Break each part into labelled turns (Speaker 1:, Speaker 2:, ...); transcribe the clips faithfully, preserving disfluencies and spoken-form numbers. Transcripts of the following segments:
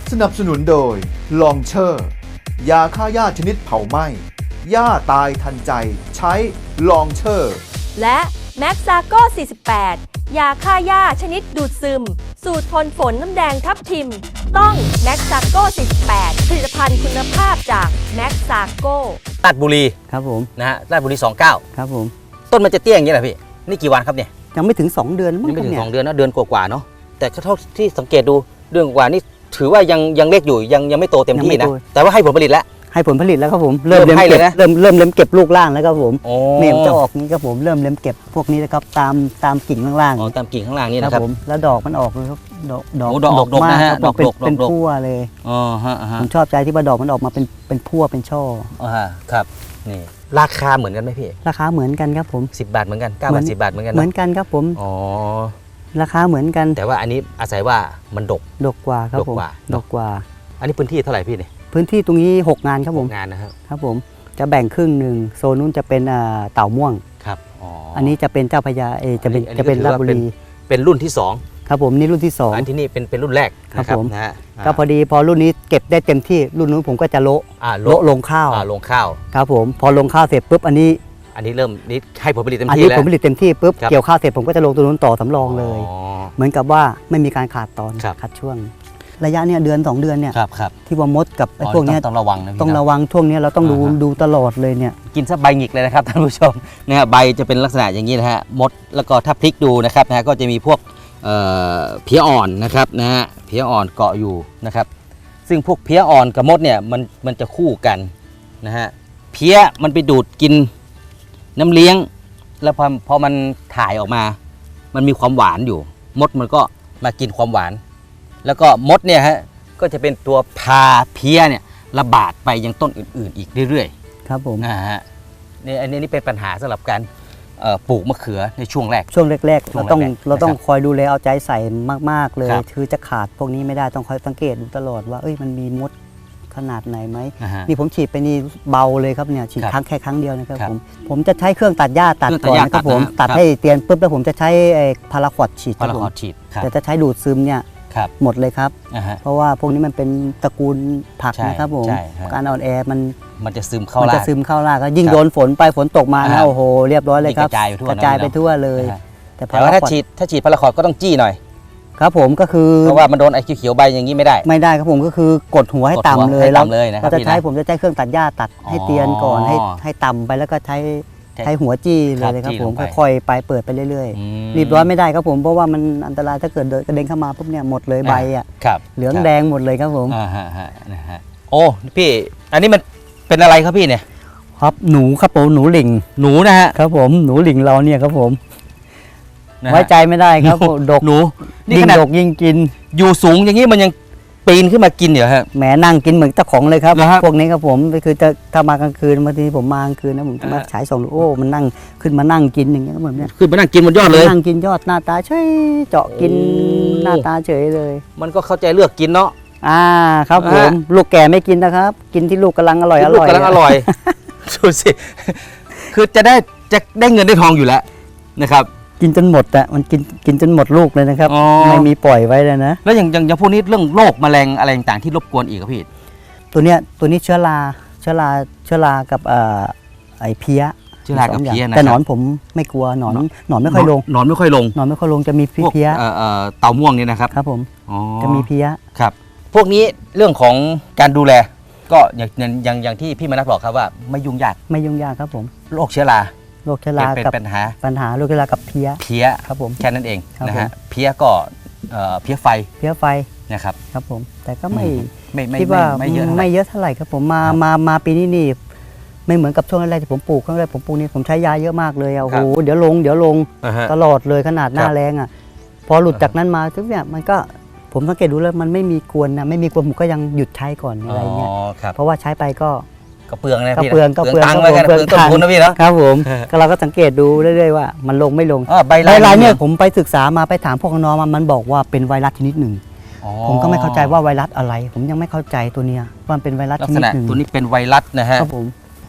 Speaker 1: สนับสนุนโดยลองเชอร์ยาฆ่าหญ้าชนิดเผาไหม้หญ้าตายทันใจใช้ลองเชอร์
Speaker 2: และแม็กซาโก้ สี่สิบแปด ยาฆ่าหญ้าชนิดดูดซึม สูตรทนฝนน้ำแดงทับทิม ต้องแม็กซาโก้ สี่สิบแปด ผลิตภัณฑ์คุณภาพจากแม็กซาโก้
Speaker 3: ราชบุรี
Speaker 4: ครับผม
Speaker 3: นะฮะราชบุรีสองสิบเก้า
Speaker 4: ครับผม
Speaker 3: ต้นมันจะเตี้ยอย่างนี้แหละพี่นี่กี่วันครับเนี่ย
Speaker 4: ยังไม่ถึงสองเดือนมั้ง
Speaker 3: ยังไม่ถึง
Speaker 4: เนี่ย
Speaker 3: สองเดือนนะเดือนกว่าๆเนาะแต่เท่าที่สังเกตดูเดือนกว่านี่ถือว่ายังยังเล็กอยู่ยังยังไม่โตเต็มที่นะแต่ว่าให้ผลผลิตแล้ว
Speaker 4: ให้ผลผลิตแล้วครับผมเริ่มเล็มเก็บเริ่มเริ่มเล็มเก็บลูกล่างแล้วครับผมเนี่ยจะออกนี้ครับผมเริ่มเล็มเก็บพวกนี้นะครับตามตามกิ่งข้างล่าง
Speaker 3: อ๋อตามกิ่งข้างล่างนี่นะครับ
Speaker 4: ผมแล้วดอกมันออกเลยครับดอกดอก
Speaker 3: ดอกดกนะฮะดอกดก
Speaker 4: เป็นพั่วเลย
Speaker 3: อ๋อฮะ
Speaker 4: ผมชอบใจที่ว่าดอกมันออกมาเป็นเป็นพั่วเป็นช่อ
Speaker 3: อ๋อฮะครับนี่ราคาเหมือนกันไหมพี่
Speaker 4: ราคาเหมือนกันครับผม
Speaker 3: สิบบาทเหมือนกันเก้าบาทสิบบาทเหมือนกัน
Speaker 4: เหมือนกันครับผม
Speaker 3: อ๋อ
Speaker 4: ราคาเหมือนกัน
Speaker 3: แต่ว่าอันนี้อาศัยว่ามันดก
Speaker 4: ดกกว่าครับผมดกกว่า
Speaker 3: อันนี้พื้นที่เท่าไหร่พี่เนี่ย
Speaker 4: พื้นที่ตรงนี้หกงานครับผม
Speaker 3: งานนะครับ
Speaker 4: ครับผมจะแบ่งครึ่งหนึ่งโซนนู้นจะเป็นเต่าม่วง
Speaker 3: ครับอ๋อ
Speaker 4: อันนี้จะเป็นเจ้าพญาเอจะเป็นจะเป็นราชบุรี
Speaker 3: เป็นรุ่นที่สอง
Speaker 4: ครับผมนี่รุ่นที่สอง
Speaker 3: อันที่นี่เป็นเป็นรุ่นแรก
Speaker 4: ครับผม
Speaker 3: นะฮะ
Speaker 4: ก็พอดีพอรุ่นนี้เก็บได้เต็มที่รุ่นนู้นผมก็จะโละโละลงข้าว
Speaker 3: ลงข้าว
Speaker 4: ครับผมพอลงข้าวเสร็จปุ๊บอันนี้
Speaker 3: อันนี้เริ่มนี่ให้ผลผลิตเต็มที่
Speaker 4: แล้วอันนี้ผลผลิตเต็มที่ปุ๊บเกี่ยวข้าวเสร็จผมก็จะลงตัวนู้นต่อสำรองเลยเหมือนกับว่าไม่มีการขาดตอนขาดช่วงระยะเนี่ยเดือนสองเดือนเนี่ยที่ว่ามดกับไอ้พวกนี้
Speaker 3: ต้องระวังนะ
Speaker 4: ต้องระวังช่วงนี้เราต้องดูดูตลอดเลยเนี่ย
Speaker 3: กินซะใบหงิกเลยนะครับท่านผู้ชมนะฮะใบจะเป็นลักษณะอย่างนี้นะฮะมดแล้วก็ถ้าพลิกดูนะครับนะฮะก็จะมีพวกเพี้ยอ่อนนะครับนะฮะเพี้ยอ่อนเกาะอยู่นะครับซึ่งพวกเพี้ยอ่อนกับมดเนี่ยมันมันจะคู่กันนะฮะเพี้ยมันไปดูดกินน้ำเลี้ยงแล้วพอพอมันถ่ายออกมามันมีความหวานอยู่มดมันก็มากินความหวานแล้วก็มดเนี่ยฮะก็จะเป็นตัวพาเพี้ยเนี่ยระบาดไปยังต้นอื่นๆอีกเรื่อย
Speaker 4: ๆครับผม
Speaker 3: นะฮะนี่อันนี้นี่เป็นปัญหาสำหรับการปลูกมะเขือในช่วงแรก
Speaker 4: ช่วงแรกๆเราต้องเราต้องคอยดูแลเอาใจใส่มากๆเลยคือจะขาดพวกนี้ไม่ได้ต้องคอยสังเกตดูตลอดว่าเอ้ยมันมีมดขนาดไหนไหมนี่ผมฉีดไปนี่เบาเลยครับเนี่ยฉีดครั้งแค่ครั้งเดียวนะครับผมผมจะใช้เครื่องตัดหญ้าตัดก่อนนะครับผมตัดให้เตียนปุ๊บแล้วผมจะใช้พาราควอดฉีดครับผมแต่จะใช้ดูดซึมเนี่ยหมดเลยครับเพราะว่าพวกนี้มันเป็นตระกูลผักนะครับผมการอ่อนแอมัน
Speaker 3: มันจะซึมเข้า
Speaker 4: มันจะซึมเข้าราก็ยิ่งโดนฝนไปฝนตกมานะโอ้โหเรียบร้อยเลยครับกระจายไปทั่วเลย
Speaker 3: แต่ว่าถ้าฉีดถ้าฉีดพาราควอดก็ต้องจี้หน่อย
Speaker 4: ครับผมก็คือ
Speaker 3: เพราะว่ามันโดนไอ้เขียวๆใบอย่างนี้ไม่ได้
Speaker 4: ไม่ได้ครับผมก็คือกดหัวให้ต่ำเลยแล้วเราจะใช้ผมจะใช้เครื่องตัดหญ้าตัดให้เตียนก่อนให้ให้ต่ำไปแล้วก็ใช้ใช้หัวจี้เลยครับผมค่อยๆไปเปิดไปเรื่อยๆรีบร้อนไม่ได้ครับผมเพราะว่ามันอันตรายถ้าเกิดกระเด็นเข้ามาปุ๊บเนี่ยหมดเลยใบอ่ะเหลืองแดงหมดเลยครับผม
Speaker 3: อ่าฮะฮะนะฮะโอ้พี่อันนี้มันเป็นอะไรครับพี่เนี่ย
Speaker 4: ครับหนูครับผมหนูหลิง
Speaker 3: หนูนะฮะ
Speaker 4: ครับผมหนูหลิงเราเนี่ยครับผมไว้ใจไม่ได้ครับดก
Speaker 3: หนู
Speaker 4: ยิ่งดกยิ่งกิน
Speaker 3: อยู่สูงอย่างนี้มันยังปีนขึ้นมากินเหรอฮะ
Speaker 4: แหมนั่งกินเหมือนเจ้าของเลยครับพวกนี้ครับผมคือจะถ้ามากลางคืนบางทีผมมากลางคืนนะผมจะมาฉายส่องดูโอ้มันนั่งขึ้นมานั่งกินอย่างเงี้ยแบบเนี้ย
Speaker 3: ขึ้นมานั่งกินบนยอดเลย
Speaker 4: นั่งกินยอดหน้าตาเฉยเจาะกินหน้าตาเฉยเลย
Speaker 3: มันก็เข้าใจเลือกกินเนาะ
Speaker 4: อ่าครับผมลูกแก่ไม่กินนะครับกินที่ลูกกำลังอร่อยอร่อย
Speaker 3: กำลังอร่อยดูสิคือจะได้จะได้เงินได้ทองอยู่แล้วนะครับ
Speaker 4: กินจนหมดอะมันกินกินจนหมดลูกเลยนะครับไม่มีปล่อยไว้เลยนะ
Speaker 3: แล้วอย่างอย่างพวกนี้เรื่องโรคแมลงอะไรต่างๆที่รบกวนอีกครับพี่
Speaker 4: ตัวเนี้ยตัวนี้เชื้อราเชื้อราเชื้อรากับเอ่อไอเพี้ย
Speaker 3: เชื้อรากับเพี้ยนะ
Speaker 4: แต่หนอนผมไม่กลัวหนอนหนอนไม่ค่อยลง
Speaker 3: หนอนไม่ค่อยลง
Speaker 4: หนอนไม่ค่อยลงจะมีเพี้ย
Speaker 3: เอ่อเต่าม่วงนี่นะครับ
Speaker 4: ครับผมจะมีเพี้ย
Speaker 3: ครับพวกนี้เรื่องของการดูแลก็อย่างอย่างอย่างที่พี่มนัสบอกครับว่าไม่ยุ่งยาก
Speaker 4: ไม่ยุ่งยากครับผม
Speaker 3: โรคเชื้อรา
Speaker 4: โรคเชื้อรากับปัญหาปัญหาโรคเชื้อรากับเพี้ย
Speaker 3: เพี้ย
Speaker 4: ครับผม
Speaker 3: แค่นั้นเองนะฮะเพี้ยก็เพี้ยไฟ
Speaker 4: เพี้ยไฟ
Speaker 3: นะครับ
Speaker 4: ครับผมแต่ก็ไม่
Speaker 3: ไม่
Speaker 4: คิดว่าไม่เยอะไม่เยอะเท่าไหร่ครับผมมามามาปีนี้นี่ไม่เหมือนกับช่วงแรกที่ผมปลูกครั้งแรกผมปลูกนี่ผมใช้ยาเยอะมากเลยโอ้โหเดี๋ยวลงเดี๋ยวลงตลอดเลยขนาดหน้าแรงอ่ะพอหลุดจากนั้นมาทุกอย่างมันก็ผมสังเกตดูแล้วมันไม่มีกวนนะไม่มีกวนผมก็ยังหยุดใช้ก่อนอะไรเงี้ยเพราะว่าใช้ไปก็
Speaker 3: ก็เปลืองนะพี่
Speaker 4: ก็เปลืองก็เปลือง
Speaker 3: ตังค์เลยกันเปลืองต้นทุนนะพี่เนาะ
Speaker 4: ครับผมก็เราก็สังเกตดูเรื่อยๆว่ามันลงไม่ลง
Speaker 3: ใบลาย
Speaker 4: เนี่ยผมไปศึกษามาไปถามพวกน้องมันบอกว่าเป็นไวรัสชนิดหนึ่งผมก็ไม่เข้าใจว่าไวรัสอะไรผมยังไม่เข้าใจตัวเนี้ยว่าเป็นไวรัสชนิดหนึ่ง
Speaker 3: ตัวนี้เป็นไวรัสนะฮะ
Speaker 4: ครับผม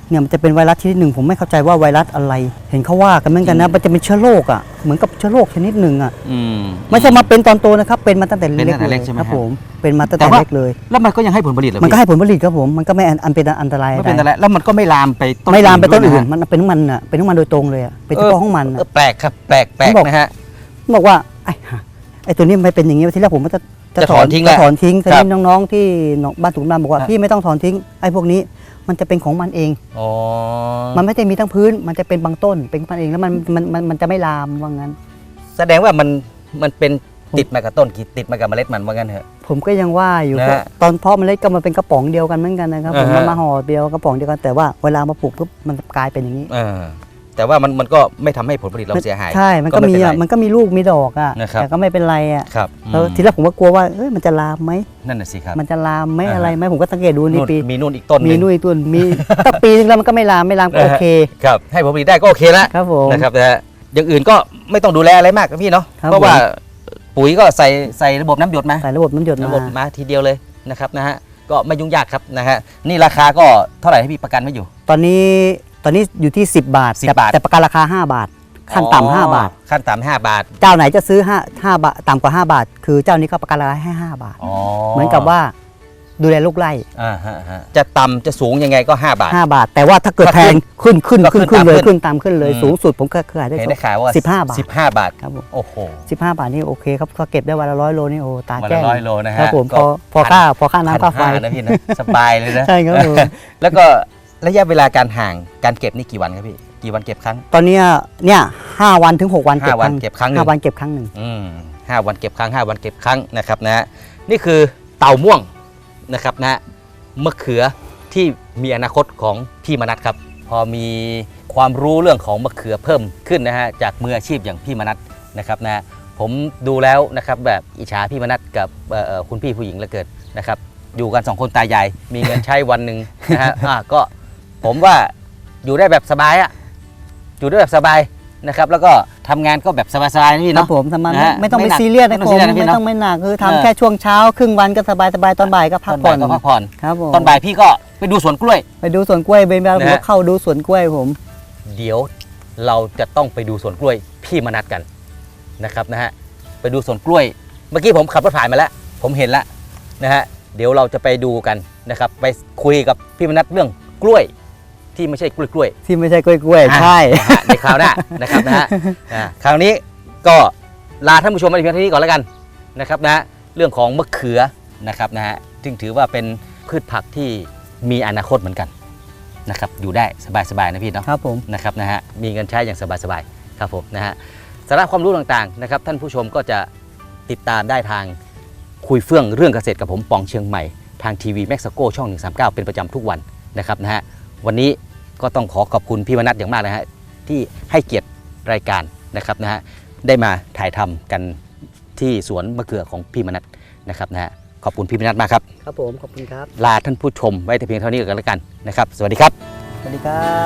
Speaker 4: เนี่ยมันจะเป็นไวรัสชนิดหนึ่งผมไม่เข้าใจว่าไวรัสอะไร เห็นเขาว่ากันเหมือนกันนะมันจะเป็นเชื้อโรคอ่ะเหมือนกับเชื้อโรคชนิดหนึ่งอ่ะ
Speaker 3: อืม
Speaker 4: ไม่ใช่มาเป็นตอนโตนะครับเป็นมาตั้งแต่
Speaker 3: เป็น
Speaker 4: เล็
Speaker 3: ตั้
Speaker 4: ก
Speaker 3: งแต่
Speaker 4: เล
Speaker 3: เล็
Speaker 4: ย
Speaker 3: กใช่ไหม
Speaker 4: ครับ
Speaker 3: ฮะ
Speaker 4: ผมเป็นมาตั้ง
Speaker 3: แต่
Speaker 4: แต่
Speaker 3: ว่า
Speaker 4: เล็กเลย
Speaker 3: แล้วมันก็ยังให้ผลผลิตเหรอ
Speaker 4: มันก็
Speaker 3: พี่
Speaker 4: ให้ผลผลิตครับผมมันก็ไม่อันอันเป็นอันตราย
Speaker 3: ไม่
Speaker 4: อะไร
Speaker 3: เป็นอะไรแล้วมันก็ไม่ลามไปต้น
Speaker 4: ไม่ลามไปต้น
Speaker 3: ด้ว
Speaker 4: อื่
Speaker 3: ย
Speaker 4: น
Speaker 3: นะฮะ
Speaker 4: มันเป็นของมันอ่ะเป็นของมันโดยตรงเลยอ่ะเป็นเฉพาะของมันอะ
Speaker 3: เออแปลกครับแปลกแปลก
Speaker 4: ผมบอก
Speaker 3: นะฮะ
Speaker 4: บอกว่าไอ้ห่าไอ้ตัวนี้ไม่เป็นอย่างนี้ทีแรกผมก็จะ
Speaker 3: จะถอนทิ้งแหละ
Speaker 4: จะถอนทิ้งที
Speaker 3: ครับ
Speaker 4: นี้น้องๆที่บ้านถุงดำบอกว่า
Speaker 3: ครับ
Speaker 4: พี่ไม่ต้องถอนทิ้งไอ้พวกนี้มันจะเป็นของมันเอง
Speaker 3: อ๋อ
Speaker 4: มันไม่ได้มีทั้งพื้น มันจะเป็นบางต้น เป็นของมันเองแล้วมันมันมันมันจะไม่ลามว่างั้น
Speaker 3: แสดงว่ามันมันเป็นติดมากับต้นติดมากับเมล็ดมันว่างั้นเถอะ
Speaker 4: ผมก็ยังว่าอยู่
Speaker 3: นะฮะ
Speaker 4: ตอนเพาะเมล็ดก็มันเป็นกระป๋องเดียวกันเหมือนกันนะครับผม
Speaker 3: อ่าฮะ
Speaker 4: มันมาห่อเดียวกระป๋องเดียวกันแต่ว่าเวลามาปลูกปุ๊บมันกลายเป็นอย่างนี้
Speaker 3: เออแต่ว่ามันมันก็ไม่ทำให้ผลผลิตเราเสียหาย
Speaker 4: ใช่ มันก็มี
Speaker 3: ไเป็
Speaker 4: อ่ะ
Speaker 3: ไร
Speaker 4: มันก็มีลูกมีดอกอ่ะ
Speaker 3: นะครับ
Speaker 4: แต่ก็ไม่เป็นไรอ่ะ
Speaker 3: ครับ
Speaker 4: แล้ว
Speaker 3: อืม
Speaker 4: ทีแรกผมก็กลัวว่าเอ้ยมันจะลามไหม
Speaker 3: นั่นน่ะสิครับ
Speaker 4: มันจะลามไหม
Speaker 3: อ่าฮะ
Speaker 4: อะไรไหมผมก็สังเกตดูนี่
Speaker 3: นู่น
Speaker 4: ปี
Speaker 3: มีนู่นอีกต้นห
Speaker 4: มี
Speaker 3: นึ่ง
Speaker 4: นุ่ยตุนมี ตั้งปีนึงแล้วมันก็ไม่ลามไม่ลามก็โอเค
Speaker 3: ครับให้ผลผลิตได้ก็โอเคแล้ว
Speaker 4: ครับผม
Speaker 3: นะครับนะฮะอย่างอื่นก็ไม่ต้องดูแลอะไรมากครับพี่เนาะ
Speaker 4: ครับ
Speaker 3: เพราะว่าปุ๋ยก็ใส่ใส่ระบบน้ำหยดมา
Speaker 4: ใส่ระบบน้ำหยด
Speaker 3: ระบบ
Speaker 4: มา
Speaker 3: มาทีเดียวเลยนะครับนะฮะก็ไม่ยุ่งยากครับนะฮะนี่ราคาก็เท่าไหร่ให้พี่ประกันไว้อยู่
Speaker 4: ตอนนี้ตอนนี้อยู่ที่สิบบาท
Speaker 3: สิบ
Speaker 4: แต่
Speaker 3: บาท
Speaker 4: แต่ประกันราคาห้าบาทขั้นต่ำห้าบาท
Speaker 3: ขั้นต่ำห้าบาท
Speaker 4: เจ้าไหนจะซื้อห้าห้าบาทต่ำกว่าห้าบาท คือเจ้านี้ก็ประกันราคาให้ห้าบาท
Speaker 3: อ๋อ
Speaker 4: เหมือนกับว่าดูแลลูกไร่
Speaker 3: อ่าฮะฮะจะต่ำจะสูงยังไงก็ห้าบาท
Speaker 4: ห้าบาท แต่ว่าถ้าเกิด
Speaker 3: ถ้า
Speaker 4: แพงขึ้นขึ้น
Speaker 3: ก็
Speaker 4: ขึ้น
Speaker 3: ขึ้
Speaker 4: ขึ้
Speaker 3: น
Speaker 4: นเลย
Speaker 3: ตามขึ้น
Speaker 4: ขึ้นตามขึ้นเลย
Speaker 3: อืม
Speaker 4: สูงสุดผมก็เคยขายได้
Speaker 3: เห็นได้ข่าวว่า
Speaker 4: สิบห้าบาท
Speaker 3: สิบห้าบาท
Speaker 4: ครับผม
Speaker 3: โอ้โห
Speaker 4: สิบห้าบาทนี่โอเคครับก็เก็บได้วันละร้อยโลนี่โอ้ตา
Speaker 3: วัน
Speaker 4: แจ้
Speaker 3: ละ
Speaker 4: ง
Speaker 3: ร้อยโลนะฮะ
Speaker 4: ครับผม
Speaker 3: ก็
Speaker 4: พอพอค่าพอค่าน้ำค่าไฟ
Speaker 3: พันห้นะพี่นะสบายเลยนะ
Speaker 4: ใช่ครับผม
Speaker 3: แล้วก็ระยะเวลาการห่างการเก็บนี่กี่วันครับพี่กี่วันเก็บครั้ง
Speaker 4: ตอนเนี้ยเนี่ยห้าวันถึงหกวันเก็บ
Speaker 3: ห้าวันเก็บครั้งหนึ่ง
Speaker 4: ห้าวันเก็บครั้งหนึ่ง
Speaker 3: อืมห้าวันเก็บครั้งห้าวันเก็บครั้งนะครับนะฮะนี่คือเต่าม่วงนะครับนะฮะมะเขือที่มีอนาคตของพี่มนัสครับ พอมีความรู้เรื่องของมะเขือเพิ่มขึ้นนะฮะจากมืออาชีพอย่างพี่มนัสนะครับนะฮะผมดูแล้วนะครับแบบอิจฉาพี่มนัสกับเอ่อเอ่อคุณพี่ผู้หญิงเหลือเกินนะครับอยู่กันสองคนตายายมีเงินใช้วันหนึ่งนะฮะอ่ะก็ผมว่าอยู่ได้แบบสบายอะอยู่ได้แบบสบายนะครับแล้วก็ทำงานก็แบบสบายๆนะพี่
Speaker 4: ครั
Speaker 3: เนาะ
Speaker 4: บผมทำมัน
Speaker 3: นะฮะ
Speaker 4: ไม่ต้อง
Speaker 3: ไม่
Speaker 4: ไป
Speaker 3: หนัก
Speaker 4: ซีเรียสนะ
Speaker 3: ไม่
Speaker 4: ผ
Speaker 3: ต้องซี
Speaker 4: ม
Speaker 3: เรียสนะพี่
Speaker 4: ไม่
Speaker 3: เนอะ
Speaker 4: ต้องไม่หนักคือ
Speaker 3: เออ
Speaker 4: ทำแค่ช่วงเช้าครึ่งวันก็สบายสบายตอนบ่ายก็พัก
Speaker 3: ตอน
Speaker 4: ผ่
Speaker 3: บ่า
Speaker 4: อย น
Speaker 3: ก็พักผ่อน
Speaker 4: ครับผม
Speaker 3: ตอนบ่ายพี่ก็ไปดูสวนกล้วย
Speaker 4: ไปดูสวนกล้วยเบนบาผม
Speaker 3: นะ
Speaker 4: ก็
Speaker 3: ฮะ
Speaker 4: เข้าดูสวนกล้วยผม
Speaker 3: เดี๋ยวเราจะต้องไปดูสวนกล้วยพี่มนัสกันนะครับนะฮะไปดูสวนกล้วย เมื่อกี้ผมขับรถผ่านมาแล้ว ผมเห็นแล้วนะฮะเดี๋ยวเราจะไปดูกันนะครับไปคุยกับพี่มนัสเรื่องกล้วยที่ไม่ใช่กล้วยกล้วย
Speaker 4: ที่ไม่ใช่กล้วยกล้วย
Speaker 3: อ่ะ
Speaker 4: ใช่
Speaker 3: นะฮะในคราวหน้านะครับนะฮะอ่าคราวนี้ก็ลาท่านผู้ชมไปเพียงเท่านี้ก่อนแล้วกันนะครับนะฮะเรื่องของมะเขือนะครับนะฮะซึ่งถือว่าเป็นพืชผักที่มีอนาคตเหมือนกันนะครับอยู่ได้สบายๆนะพี่เนาะ
Speaker 4: ครับผม
Speaker 3: นะครับนะฮะมีเงินใช้อย่างสบายๆครับผมนะฮะสาระความรู้ต่างๆนะครับท่านผู้ชมก็จะติดตามได้ทางคุยเฟื่องเรื่องเกษตรกับผมปองเชียงใหม่ทางทีวีแม็กซ์โกช่องหนึ่งสามเก้าเป็นประจำทุกวันนะครับนะฮะวันนี้ก็ต้องขอขอบคุณพี่มนัสอย่างมากนะฮะที่ให้เกียรติรายการนะครับนะฮะได้มาถ่ายทำกันที่สวนมะเขือของพี่มนัสนะครับนะฮะขอบคุณพี่มนัสมากครับ
Speaker 4: ครับผมขอบคุณครับ
Speaker 3: ลาท่านผู้ชมไว้แต่เพียงเท่านี้ก่อนแล้วกันนะครับสวัสดีครับ
Speaker 4: สวัสดีครับ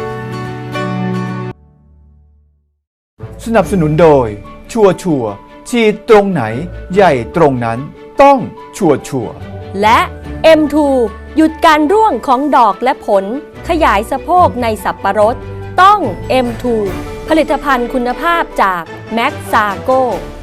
Speaker 1: สนับสนุนโดย ชัวร์ชัวร์ฉีดตรงไหน ใหญ่ตรงนั้น ต้องชัวร์ชัวร์
Speaker 2: และ เอ็ม ทู หยุดการร่วงของดอกและผล ขยายสะโพกในสับปะรด ต้อง เอ็ม ทู ผลิตภัณฑ์คุณภาพจากแม็กซาโก